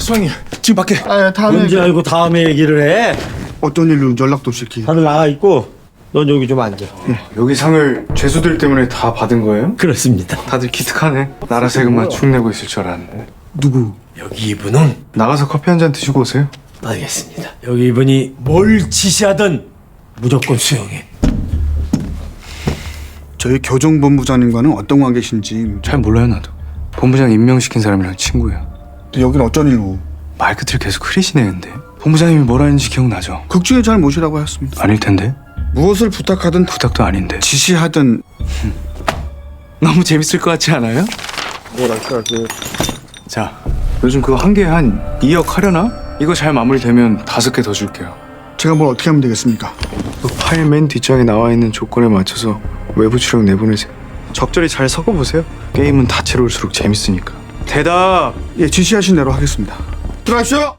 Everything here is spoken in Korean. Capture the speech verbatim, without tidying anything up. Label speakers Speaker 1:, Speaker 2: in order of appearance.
Speaker 1: 소장님 지금 밖에.
Speaker 2: 아, 다음에
Speaker 3: 언제 알고 다음에 얘기를 해?
Speaker 2: 어떤 일로 연락도 없이 이렇게.
Speaker 3: 다들 나가 있고 넌 여기 좀 앉아.
Speaker 1: 여기 상을 죄수들 때문에 다 받은 거예요?
Speaker 3: 그렇습니다.
Speaker 1: 다들 기특하네. 나라 세금만 쭉 내고 있을 줄 알았는데.
Speaker 2: 누구?
Speaker 3: 여기 이분은
Speaker 1: 나가서 커피 한 잔 드시고 오세요.
Speaker 3: 알겠습니다. 여기 이분이 뭘 지시하든 무조건 수용해.
Speaker 2: 저희 교정본부장님과는 어떤 관계신지.
Speaker 1: 잘 몰라요 나도. 본부장 임명시킨 사람이랑 친구예요.
Speaker 2: 또 여긴 어쩐 일로?
Speaker 1: 말 끝을 계속 흐리시네 근데. 본부장님이 뭘 하는지 기억나죠?
Speaker 2: 극 중에 잘 모시라고 하였습니다.
Speaker 1: 아닐 텐데.
Speaker 2: 무엇을 부탁하든
Speaker 1: 부탁도 아닌데.
Speaker 2: 지시하든.
Speaker 1: 너무 재밌을 것 같지 않아요?
Speaker 2: 뭐랄까 그
Speaker 1: 자, 요즘 그거 한 개에 한 이억 하려나? 이거 잘 마무리되면 다섯 개 더 줄게요.
Speaker 2: 제가 뭘 어떻게 하면 되겠습니까?
Speaker 1: 그 파일 맨 뒷장에 나와 있는 조건에 맞춰서 외부 출력 내보내세요. 적절히 잘 섞어보세요. 게임은 다채로울수록 재밌으니까. 대답!
Speaker 2: 예, 지시하신 대로 하겠습니다. 들어가십시오.